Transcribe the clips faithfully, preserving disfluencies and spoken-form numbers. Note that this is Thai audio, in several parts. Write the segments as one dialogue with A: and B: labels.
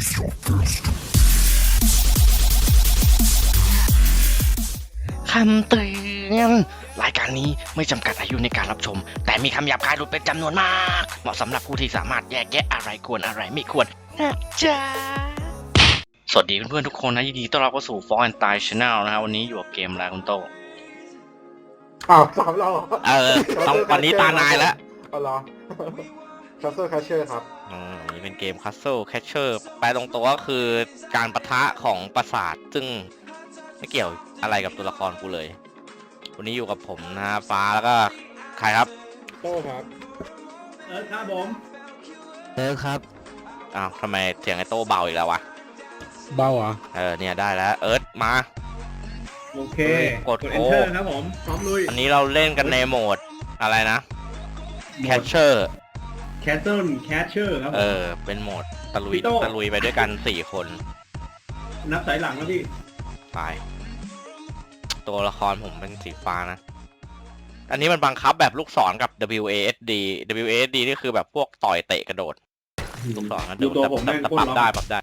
A: คำเตือนรายการนี้ไม่จำกัดอายุในการรับชมแต่มีคำหยาบคายหลุดเป็นจำนวนมากเหมาะสำหรับผู้ที่สามารถแยกแยะอะไรควรอะไรไม่ควรนะจ๊ะสวัสดีเพื่อนๆทุกคนนะยินดีต้อนรับเข้าสู่ Fall and Die Channel นะฮะวันนี้อยู่กับเกมอะไรคุณโต
B: อ้าวสามเรา
A: เออต้องวันนี้ตานายแล้ว
B: เอาเหรอ Castle Crasher ครับ
A: อืมนี่เป็นเกม Castle Crasher แปลตรงตัวก็คือการปะทะของปราสาทซึ่งไม่เกี่ยวอะไรกับตัวละครกูเลย วันนี้อยู่กับผมนะฟ้าแล้วก็ใครครับ
B: โต้ครับ
C: เออครับผม
D: เออครับ
A: อ้าวทำไมเสียงไอโต้เบาอีกแล้ววะ
D: เบาอ่ะ
A: เออเนี่ยได้แล้วเอิร์ธมา
C: โอเค
A: กด
C: เอนเตอร์ครับผมพร้อมลุย
A: อันนี้เราเล่นกันในโหมดอะไรนะ Catcher
C: แคสเซิลแคชเชอร์ครับผ
A: เอ
C: ม
A: อเป็นโหมดตะลุย
C: พี่โต้
A: ตะลุยไปด้วยกันสี่คน
C: นับสายหลังแล้วพี่
A: ไปตัวละครผมเป็นสีฟ้านะ อันนี้มันบังคับแบบลูกศรกับ ดับเบิลยู เอ เอส ดี ดับเบิลยู เอ เอส ดี นี่คือแบบพวกต่อยเตะกระโดด ลูกศรกระโด
C: ดู
A: ด
C: ตัว
A: แต่
C: ผม
A: แต่
C: แม่ง
A: แต่
C: โค
A: ป
C: ต
A: รั
C: ร
A: บ
C: ล็อก
A: ได้ปรับได้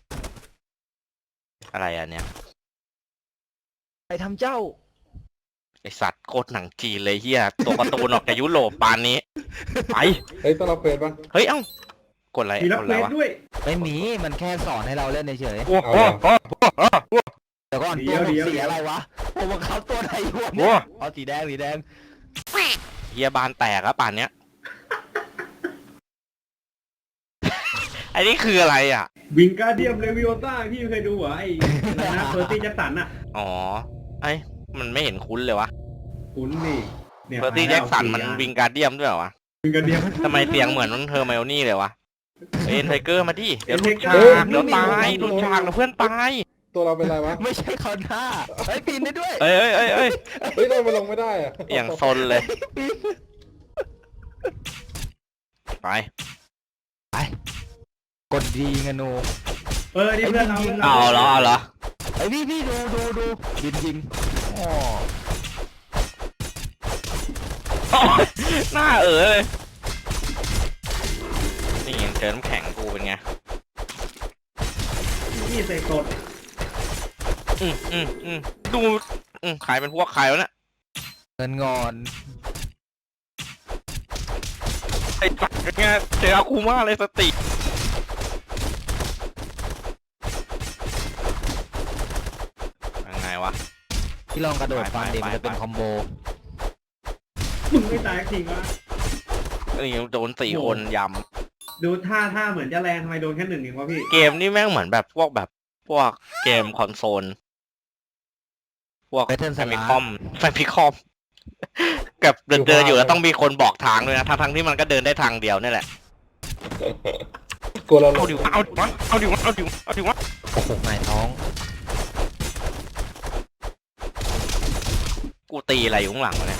A: อะไรอันเนี้ย
D: ใครทำเจ้า
A: ไอสัตว์โคตรหนังจีนเลยเฮียตัวการ์ตูนออกจากยุโรปปานนี้ ไป
B: เฮ้ยต้องรับเควสป่ะ
A: เฮ้ยเอ้ากดอะไร
C: มีรับ
A: กด
C: เคว
A: อะไร
C: ส
A: วะ
C: ด้วย
D: ไม่มี มันแค่สอนให้เราเล่นเฉย
A: โอ้โห
D: ๆเดี๋ยวก่อนตัวผมสีอะไรวะผมบังคับตัวไหนอยู่
A: โอ้
D: เนี่ยเอาสีแดงสีแดง
A: เฮียบานแตกแล้วป่านเนี้ย ไอ้นี่คืออะไรอ่ะ
C: วิงการเดียมเลวิโอต้าพี่เคยดูเหรอไอ้อะไรนะเพอร์ตี้แจ็คสันอะ
A: อ๋อไอ้มันไม่เห็นคุ้นเลยวะ
C: คุณนี่เนี่ย
A: เ e อร์ตี้แจ็คสันมันวิงการเดียมด้วยเหรอวะ
C: วิงการเดียม
A: ทำไมเสียงเหมือนน้องเธอไมโอนี่เลยวะเอ็นไทเกอร์มาดิเดี๋ยวหลุดฉา
C: เฮ้ย
A: กเดี๋ยวตายหลุดฉากแล้วเพื่อนตาย
B: ตัวเราเป็นไรวะ
D: ไม่ใช่คอนท่าเฮ้ยปีนได้ด้วย
A: เอ้ยเอ้ยเอ้ยเอ้ย
B: เฮ้ยเราไปลงไม่ได้อะ
A: อย่างซนเลย ไป
D: ไปกดดีเงนู
C: เออนี่เพื่อนเราพื่น
A: เอาเหรอเอาเหรอ
D: ไอพี่พี่ดูดูดูบินยิงอ๋อ
A: หน้าเอ๋อเลยนี่ยังเจอน้ำแข็งกูเป็นไง
C: นี่ใส่กด
A: อืมอืมอืมดูอืมใครเป็นพวกใครวะเนี่ย
D: เงินงอน
A: ไอ้สัตว์เป็นไงเจออาคูมาเลยสติยังไงวะ
D: ที่ลองกระโดดฟันเด็ก
A: ไป
D: มันจะเป็น
A: ไป
D: คอมโบ
C: มึงไม่ตายจริงวะ
A: นี่โดนสี่
C: โอ้
A: คนย
C: ดูท่าท่าเหมือนจะแรงทำไมโดนแค่หนึ่งเองวะพี่
A: ำเกมนี่แม่งเหมือนแบบพวกแบบพวกเกมคอนโซลพวก
D: เบเทิล
A: แฟ
D: ส
A: มิ
D: ลา
A: คอมแฟมิคอมกับเดินเดินอยู่แล้วต้องมีคนบอกทางด้วยนะทั้งทั้งที่มันก็เดินได้ทางเดียวนี่แหละ
B: กลัวเราล
A: เอา
B: ง
A: ดิวะเอาดิวะเอาดิวะเอาดิวะเอาดิวะ
D: โอ้โหหมายท้อง
A: กูตีอะไรอยู่ข้างหลังวะเนี่ย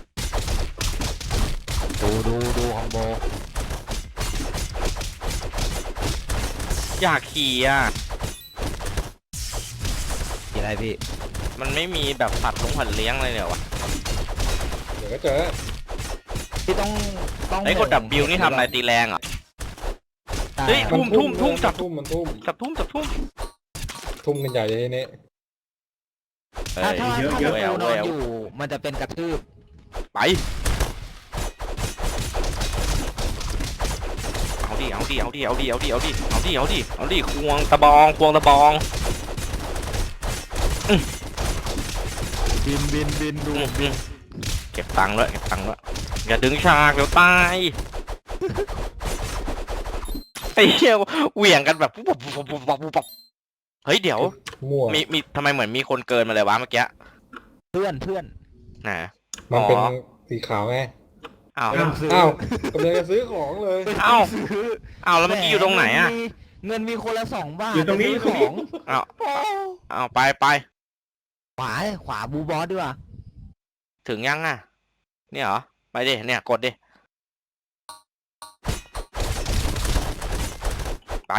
D: ดูดูดูคอมโบ
A: อยากขี่อ่ะ
D: สีอะไรพี่
A: มันไม่มีแบบสัตว์ลงหันเลี้ยงอะไรเนี่ยวะ
B: เดี๋ยวก็เจอ
D: พี่ต้องต้อง
A: ไอ้กดดับบิวนี่ทำอะไรตีแรงเหรอ่ะ
D: ตาย
A: เฮ้ย
D: อะ
A: ทุ่มทุ่มทุ่มจับ
B: ทุ่มมันทุ่ม
A: จับทุ่มจับทุ่ม
B: ทุ่มกันใหญ่เลยทีนี้
A: เอ้
D: ถ้าย ถ้าถ้า
A: เย
D: จะ
A: อะแอ
D: ปู
A: ล
D: นอ
A: แอน ล
D: อยู่ มันจะเป็นกระทืบ
A: ไปเอาดิเอาดิเอาดิเอาดิเอาดิเอาดิเอาดิเอาดิเอาดิควงตะบองควงตะบอง
D: บินบินบินดู
A: อืมอืมเก็บตังค์ด้วยเก็บตังค์ด้วยอย่าดึงฉากเดี๋ยวตายไอ้เหี้ยเหวี่ยงกันแบบปุ๊บปุ๊บปุ๊บปุ๊บปุ๊บปุ๊บเฮ้ยเดี๋ยว
B: มั่ว
A: มีมีทำไมเหมือนมีคนเกินมาเลยวะเมื่อกี้
D: เพื่อนเพื่อน
A: น่ะ
B: มันเป็น
A: อ๋อ
B: สีขาวไง
A: อ้าว
D: เริ่มซื้อ
B: อ้าวกำลังจะซื้อของเลย
A: เอ้า
D: ซื้อ
A: อ้าวแล้วเมื่อกี้อยู่ตรงไหนอ่ะ
D: เงิมีเงินมีคนละสองบาท
C: อยู่ตรงนี้
D: จะซื้อของ
A: อ้าว
D: โอ้
A: อ้าวไปไป
D: ขวาขวาบูบอสดีกว่า
A: ถึงยังอ่ะเนี่ยเหรอไปดิเนี่ยกดดิไป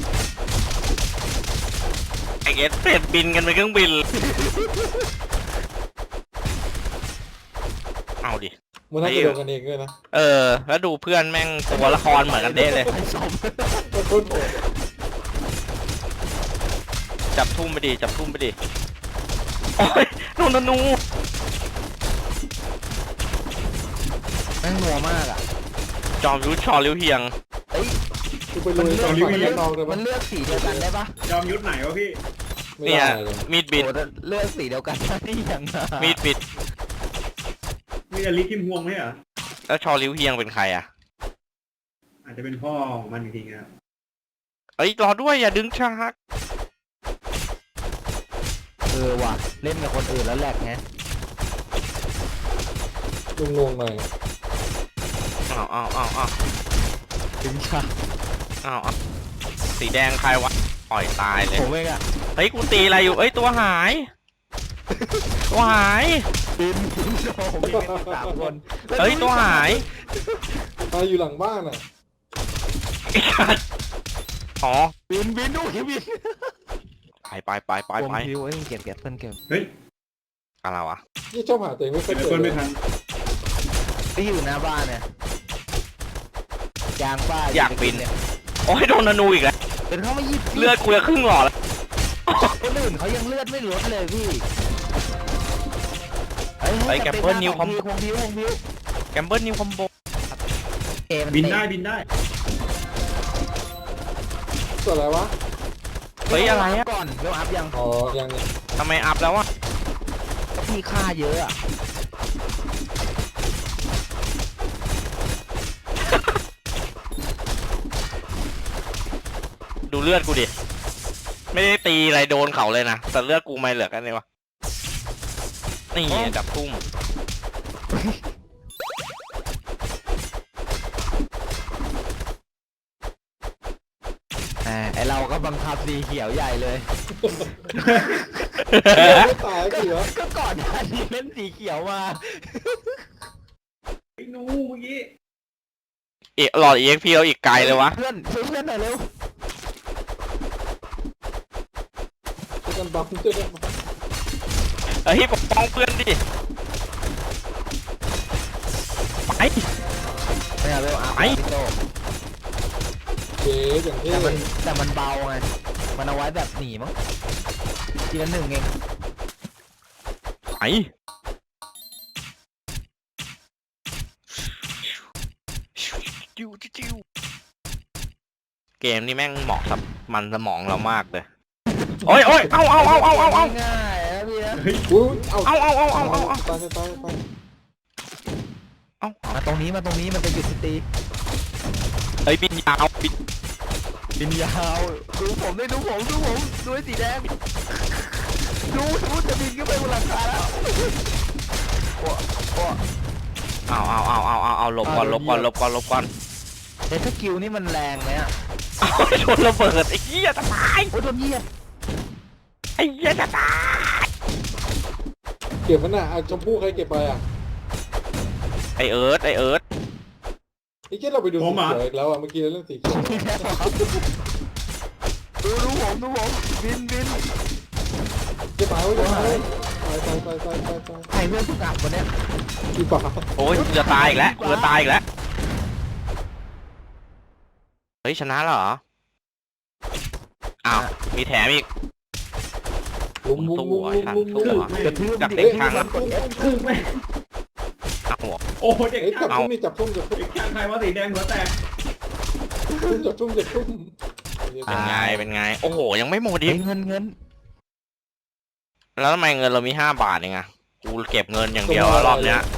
A: ไอเอสเป็ดบินกันไปเครื่องบินเอาดิ
B: มันน่าจะโดนกันเองด้วยนะ
A: เออแล้วดูเพื่อนแม่งตัวละครเหมือนกันเด้เลย
D: ไอ้สม
B: มันทุ่มโหด
A: จับทุ่มไปดิจับทุ่มไปดิโอ้ยโดนธนู
D: แม่งนัวมากอ่ะ
A: จอมยุทธชอริ้วเฮียง
D: เอ้ย
B: คือไปลุย
D: มัน
B: ฝั่ง
D: เลือก
B: ด้านนอกได้
D: มั
B: ปะ
D: นเลือกสีเดียวกันได้ปะ
C: ยอมยุทธไหนวะพี่
B: ไม่
A: เนี่ย
B: ได้เลย
A: มีดบิด
D: โอ้เลือกสีเดียวกันที่ยังไง
A: มีดบิด
C: มีแต่ลิทิมฮวงไหมเหรอ
A: แล้วชอริ้วเฮียงเป็นใครอ่ะ
C: อาจจะเป็นพ่อของมันจริงๆนะ
A: เอ้ยรอด้วยอย่าดึงฉาก
D: เออว่ะเล่นกับคนอื่นแล้วแหลกไง
B: ลุงงงหน่อย
A: อ้าวอ้าวอ้าวอ้าว
D: ถึงชา
A: อ้าวอ้าวสีแดงใครวะปล่อยตายเลย
D: ผมเองอ่ะ
A: เฮ้ยกูตีอะไรอยู่เอ้ยตัวหายตัวหาย
D: ปีนปีนโอ้โหมีกันสามคน
A: เฮ้ยตัวหาย
B: ตายอยู่หลังบ้านอ่ะ
A: ไอ้สัสอ๋อ
D: ปีนปีนดูคิวิน
A: ไปไปไปไป
D: ผม
A: ไป
D: คิวเอ้ยเก็บเก็บเพิ่นเก็บ
C: เฮ้ย
A: อะไรวะ
B: นี่ชอบหาตัวเองไม่ค่อย
C: เดี๋
B: เจ
C: ยว
B: อ
C: คน
B: เล
C: ไม่
B: ย
C: ทัน
D: ที่อยู่หน้าบ้านเนี่ยยางป้า
A: อยากบินเนี่ยโอ้ยโดนธนูอีกแล้ว
D: เป็นเขาไม่ยิบ
A: เลือดกูจะครึ่งหลอดแล้ว
D: คนอื่นเขายังเลือดไม่ลดเลยพี่
A: ไอ้แกมเปิลนิวคอม
D: คงพิวคงพิว
A: แกมเบิลนิวคอมโบ
D: เกม
C: บินได้บินได้
B: ตัวอะไรวะ
A: เฮ้ยอะไรอะ
D: ก่อนเวลอัพยัง
B: อ๋อยังเนี่ย
A: ทำไมอัพแล้ววะ
D: ก็มีค่าเยอะอะ
A: ดูเลือดกูดิไม่ได้ตีอะไรโดนเขาเลยนะแต่เลือดกูไม่เหลือกันเลยวะนี่จับทุ่ม
D: อ่าไอเราก็บังคับสีเขียวใหญ่เลย
B: ไม่ตายกี่วะ
D: ก็ก่อนหน้านี้เล่นสีเขียวมา
C: ไอ้หนูเมื่อกี้
A: เอะหลอด อี เอ็กซ์ พี เราอีกไกลเลยวะ
D: เพื่อนช่วยเพื่อนหน่อยเร็ว
B: ช่วยกันบัฟช่วยกันบัฟ
A: เฮ้ยปกป้องเพื่อนดิไป
D: เนี่ยเวลอัพ
A: ไอ้
D: พี่โต
B: เจ๊อย่างเท่
D: แต่มันแต่มันเบาไงมันเอาไว้แบบหนีมั้งทีละหนึ่งเอง
A: ไปจิ้วจิ้วเกมนี้แม่งเหมาะกับมันสมองเรามากเลยโอ้ยโอ้ยเอาเอาเอาเอาเอาเอา
D: ง่ายๆนะพี่นะ
B: อุ้ยเอา
A: เอาเอาเอาเอาเอาเอา
B: ตายตายตายตาย
A: เอา
D: มาตรงนี้มาตรงนี้มันจะหยุดสตี
A: เฮ้ยบินยาวบิน
D: บินยาวดูผมได้ดูผมดูผมดูไอ้สีแดงดูดูจะบินขึ้นไปบนหลังคาแล้วโอ้โอ้
A: เอาเอาเอาเอาเอาเอาหลบก่อนหลบก่อนหลบก่อนหลบก่อน
D: เฮ้ยสกิลนี่มันแรงไหมอ่ะ
A: เอาโดนระเบิดไอ้เหี้ยจะตาย
D: โอ้ยโดนเหยียบ
A: ไอ้เหี้ยจะตาย
B: เก็บมันน่ะเอาชมพู่ใครเก็บไปอ่ะ
A: ไอเอิร์ธไอเอิร์ธ
B: ไอ้เจ๊เราไปดูสีเขียวอีกแล้วอ่ะเมื่อกี้เราเล่นสีเขียว
D: ดูดูผมดูผมบินบิน
B: เจ๊หายไว้เจ๊หายตายตายตายตายตายตาย
D: ใครเพื่อนสุกัดวันเนี้ย
B: กี่บาท
A: โอ้ยกูจะตายอีกแล้วกูจะตายอีกแล้วเฮ้ยชนะแล้วเหรออ้าวมีแถมอีก
B: ลุมลุมลุมลุมลุมลุม
D: กระทืบ
A: จาก
D: ดิ
A: เด็กช่าง
D: กด F
C: คือไม่
A: อ้าวหัว
C: โอ้โหเด็ก
B: เอ้ยจั
C: ช่า
B: บ
C: ง
B: ทุ่มนี่จับทุ่มจับทุ่ม
C: เด็กช่างใครว่าสีแดงหัวแตก
B: ทุ่มจับทุ่มจับทุ่ม
A: เป็นไงเป็นไงโอ้โหยังไม่หมด
D: เฮ้
A: อี
D: ย
A: ก
D: เงินเงิน
A: แล้วทำไมเงินเรามีห้าบาทเองอะกูเก็บเงินอย่างเดียวอะรอบเนี้ย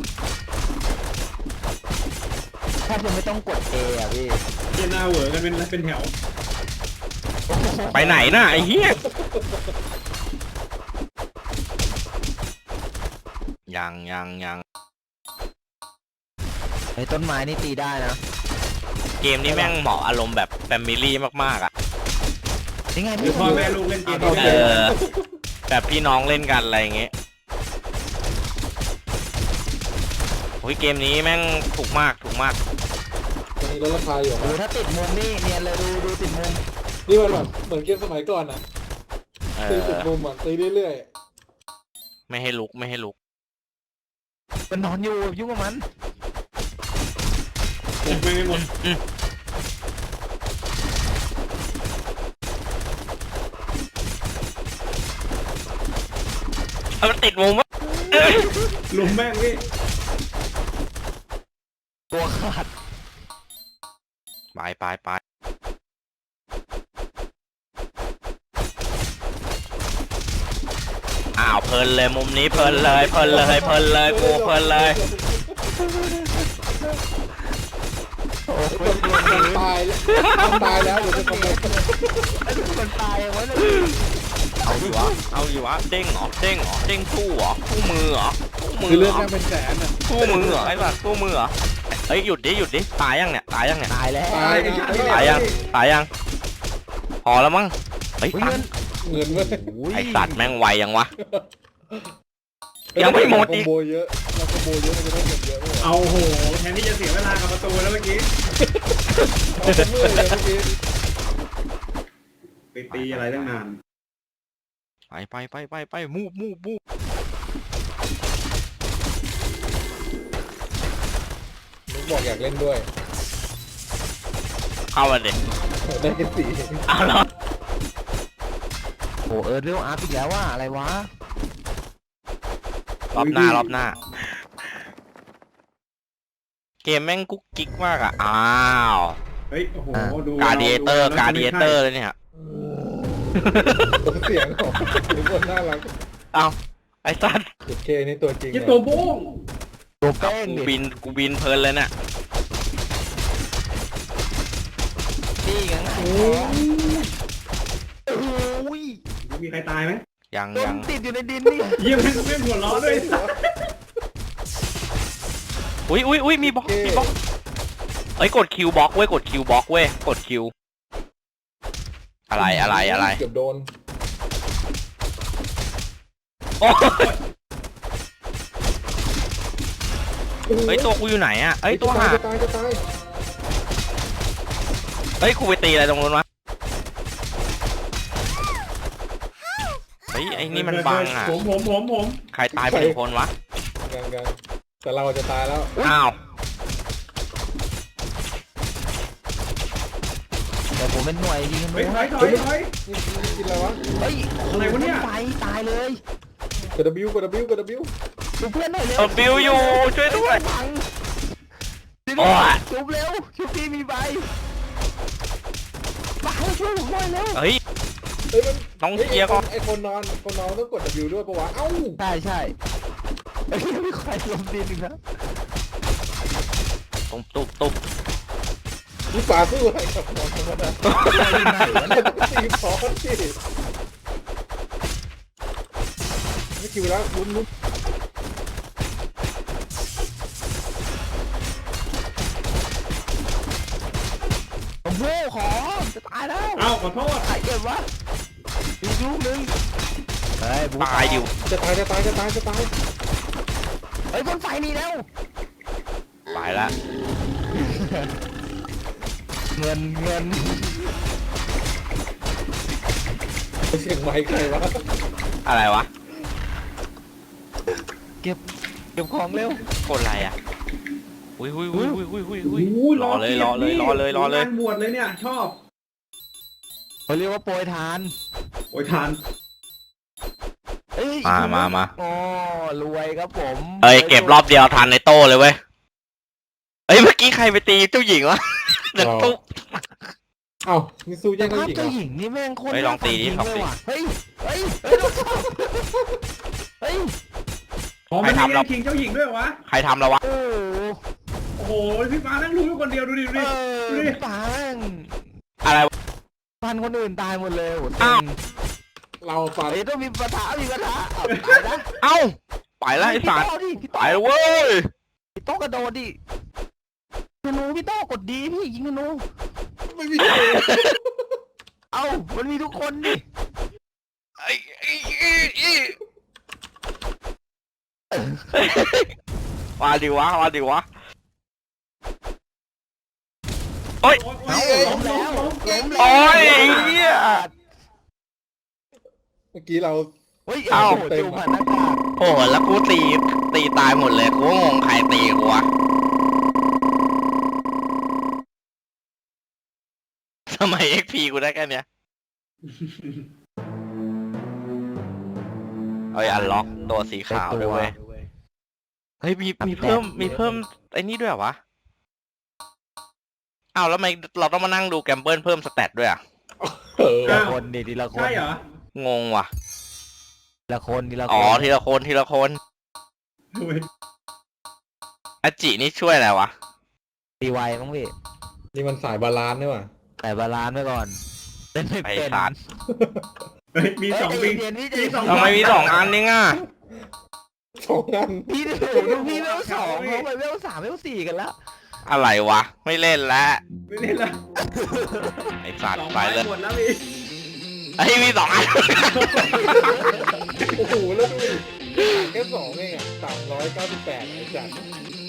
D: แทบจะไม่ต้องกด A อ่ะพี่
C: เจน่าเหวอกันเป็นเป็นแถว
A: ไปไหนน่ะไอ้เหี้ยยังยังยัง
D: ไอ้ต้นไม้นี่ตีได้นะ
A: เกมนี้แม่งเหมาะอารมณ์แบบแฟมิลี่มากๆอะ
D: ยังไง
C: หรื
D: พี่
C: อพ่อแม่ลูกเล่นเกม
A: เออแบบพี่น้องเล่นกันอะไรอย่างเงี้ยโอ้ยเกมนี้แม่งถูกมากถูกมาก
B: ตอนนี้ลดราคาอยู่
D: ดู
B: นะ
D: ถ้าติดมุมนี่เนียนเลยดูดูติดมุม
B: นี่มันแบบเหมือนเกมสมัยก่อนอ่ะ
A: เอ
B: ตี
A: อ
B: ติดมุมอ่ะตีเรื่อย
A: ไม่ให้ลุกไม่ให้ลุก
D: มันนอนอยู่ยุ่งกับมัน
C: ผมไม่ได้หมด
A: อืมเอามันติดมุมวะ
C: ลุมแม่งพี่
D: ตัวขาด
A: ไปไปไปอ้าวเพลินเลยมุมนี้เพลินเลยเพลินเลยเพลินเลยกูเพลินเลย
D: โอ้
B: ไอ้ตัวมันตายแล้วมันตายแล้วเดี๋ยวจะทำไง
D: ไอ้ตัวมันตายไว้เลย
A: เอาอยู่วะเอาอยู่วะเด้งเหรอเด้งเหรอเด้งสู้เหรอสู้มือเหรอสู้มื
B: คือ
A: อ
B: เลื
A: เห
B: อ
A: ร
B: ด
A: อ
B: แม่งเป็นแสนอ่ะ
A: สู้มือเหรอไอ้สัสสู้มือเหรอเฮ้ยหยุดดิหยุดดิตายยังเนี่ยตายยังเนี่ย
D: ตายแล้ว
B: ตายนะ
A: ตายยังตายยังพอแล้วมั้งเฮ้ย
D: เงิน
B: เงินเว้ย
A: ไอ้สัตว์แม่งไวยังวะ ยังไม่หมดอีก
B: เราคอมโบเยอะเราคอมโบเยอะมันจะได้เงินเยอะเลย
C: เอาโหแทนที่จะเสียเวลากับประตูแล้วเมื่อกี้
B: เอาเมื่อยเลยเมื่อกี้
C: ไปตีอะไรตั้งนาน
A: ไปไปไปไปไปมูบมูบมูบ
B: นุ๊กบอกอยากเล่นด้วย
A: เข้ามาดิ
B: ได้แค่สี่
A: เอาแล้ว
D: โอ้เออเรียวอาร์ตอีกแล้วว่าอะไรวะ
A: รอบหน้ารอบหน้า เกมแม่งกุ๊กกิ๊กมากอ่ะอ้าว
C: เฮ้ยโอ้โหดู
A: การ์เดียเตอร์การ์เดียเตอร์เลยเนี่ย
B: เสียงของทุกคนน่ารัก
A: เอาไอ้สัตว์
B: เจ็ดเคนี่ตัวจริง
C: ยี่ตัวโบ้ง
D: ตัวแป้ง
A: กู
D: ดิ
A: บินกูบินเพลินเลยน่ะ
D: นี่ไง
B: โอ้ย
D: โอ้ย
C: มีใครตายไหม
A: ยัง
D: ต้
A: ยั
D: น
A: ง
D: ติดอยู่ในดินนี่
C: เยี่ยมไม่ไม่หัวล้อด้วย
A: อุ้ยอุ้ยอุ้ยมีบล็อกมีบล็อกเอ้ยกดคิวบล็อกเว้ยกดคิวบล็อกเว้ยกดคิวอะไรอะไรอะไร
B: เกือบโดน
A: โอ้ยเฮ้ยตัวกูอยู่ไหนอ่ะเอ้ยตัวหา
B: จะตายจะตาย
A: เฮ้ยกูไปตีอะไรตรงนู้นวะเฮ้ยไอ้นี่มันบังอ่ะ
C: ผมผมผมผม
A: ใครตายไปหนึ่งคนวะ
B: ยังยังแต่เราจะตายแล้ว
A: อ้าว
D: แต่ผมเป็นหน่วยยิง
C: เฮ้ย
D: นู้น
C: ถอยถอยถอย
B: นี่นี่กินอะไรวะ
D: เฮ้ย
C: อะไรวะเนี่ย
D: ไฟตายเลย
B: กด W กด W กด W
D: ดูเพื่อนหน่อยเร็ว
A: เออบิวอยู่ช่วยด้วย
D: บัง
A: โอ้ย
D: ชุบเร็วชุบพี่มีใบมาให้ช่วยผมหน่อยเร็ว
A: เฮ้ย
B: เฮ้ยมัน
A: ต้องเคลียร์ก่อน
B: ไอคนนอนคนนอนต้องกด W ด้วยปะวะเอ้า
D: ใช่ใช่เฮ้ยไม่ใครลงดินอีกนะ
A: ตุ๊บตุ๊บตุ๊บ
B: นี่ป่าสู้อะไรกับนอนธรรมดาต้องตีพอสสิไม่คิวแล้วลุ้นลุ้น
D: ผมโว้ขอจะตายแล้ว
C: เอ้าขอโทษ
D: ใครเก็บวะอีกลูกนึงเฮ้ยบู
A: ตายดิว
B: จะตายจะตายจะตายจะตาย
D: เฮ้ยบนไฟนี่แล้ว
A: ไปละ
D: เงินเงิน
B: เสียงไม้ใครวะ
A: อะไรวะ
D: เก็บเก็บของเร็ว
A: กดอะไรอ่ะอุ้ยอุ้ยอุ้ยอุ้ยอุ้ยอุ้ย
C: โอ้
A: อุ้ย
C: โห
A: รอเลยรอเลยรอเลยรอเลย
C: งานบวชเลยเนี่ยชอบ
D: เขาเรียกว่าโปรยทาน
C: โอ้ยทาน
D: เอ้ย
A: มามามา
D: อ๋อรวยครับผม
A: เอ้ยเก็บรอบเดียวทันในโต้เลยเว้ยเอ้ยเมื่อกี้ใครไปตีเจ้าหญิงวะเด็กตุ๊บ
B: เอ้านี่สู้แย่
D: แต่
B: งกัน
D: ภาพ
B: อีกเหร
D: เจ้า
B: อ
D: หญิงนี่แม่งโคตร
A: เฮ้ยลองตีดิ
D: น่า
A: ลองตี
D: เลยว่ะเฮ้ยเฮ้ยเฮ้ยลองเข้าเฮ้ย
C: อ๋อมันมีเรื่องคิงเจ้าหญิงด้วยเหรอวะ
A: ใครทำแล้ววะ
D: โอ้โห
C: โอ้โหพี่ฟ้านั่งรู้อยู่คนเดียวดูดิดู
D: เอ
C: ดิ
D: อ
C: ดูดิ
D: ปัง
A: อะไรวะ
D: พันคนอื่นตายหมดเลยโอ้โห
A: อ้าว
B: เราฟัน
D: เฮ้ยต้องมีปะทะมีปะทะเอาตายนะ
A: เอ้าไปแล้วไอ้สัตว์
D: พี่โต้ดิพี่
A: ไป
D: โต้
A: แล้วเว้ย
D: พี่โต้กระโดดดิธนูพี่โต้กดดีพี่ยิงธนู
B: ไม่มี
D: เอ้ามันมีทุกคนดิ
A: ไอ้ไอ้ไอ้ไอ้มาดิวะมาดิวะโอ้ย
C: โอ้ย
D: ล้มแล้วล้มแล้ว
A: โอ้ยไอ้เหี้ย
B: เมื่อกี้เรา
D: เฮ้ย
A: เอ้า
D: โโหจูบผ่านหน้ากาก
A: โอ้โหแล้วกูตีตีตายหมดเลยกูก็งงใครตีกูวะทำไม เอ็กซ์ พี กูได้แค่เนี้ย เอ้ยอันล็อกตัวสีขาวด้วยเว้ยเฮ้ยมีมีเพิ่มมีเพิ่มไอ้นี่ด้วยเหรอวะอ้าวแล้วทำไมเราต้องมานั่งดูแกมเบิลเพิ่มสแตทด้วยอ่ะ
B: เออ
D: ทีละคนดิทีละคน
C: ใช่เหรอง
A: งว่ะ
D: ทีละคนทีละคน
A: อ๋อทีละคนทีละคนอาจินี่ช่วยอะไรวะ
D: ตีไวมั้งพี่
B: นี่มันสายบาลานซ์นี่หว่า
D: แต่บาลานซ์ไว้ก่อนเล่นไม่
A: ไอ้
D: เป็น
A: สัตว์
C: เฮ้ยมีสอง
D: เฮ้
C: วิ
D: ย
C: ง
D: ใจเย็นพี่ใจ
C: มี
D: เย็น
C: สอง
A: ทำไมมีสองอันนี่ง่ะ
B: สองอัน
D: พี่ดูดูพี่เวลสองเขาไปเวลสามเวลสี่กันแล้ว
A: อะไรวะไม่เล่นแล้ว
C: ไม่เล่นละ
A: ไอ้สัต
C: สอ
A: ว์
C: ง
A: ไป
C: ไม้
A: เลย
C: หมดแล้วพี่
A: ไอ้ยมีสองอัน
B: โอ้โหแล้วดูดิแค่สองเองอ่ะสามร้อยเก้าสิบแปดไอ้จัด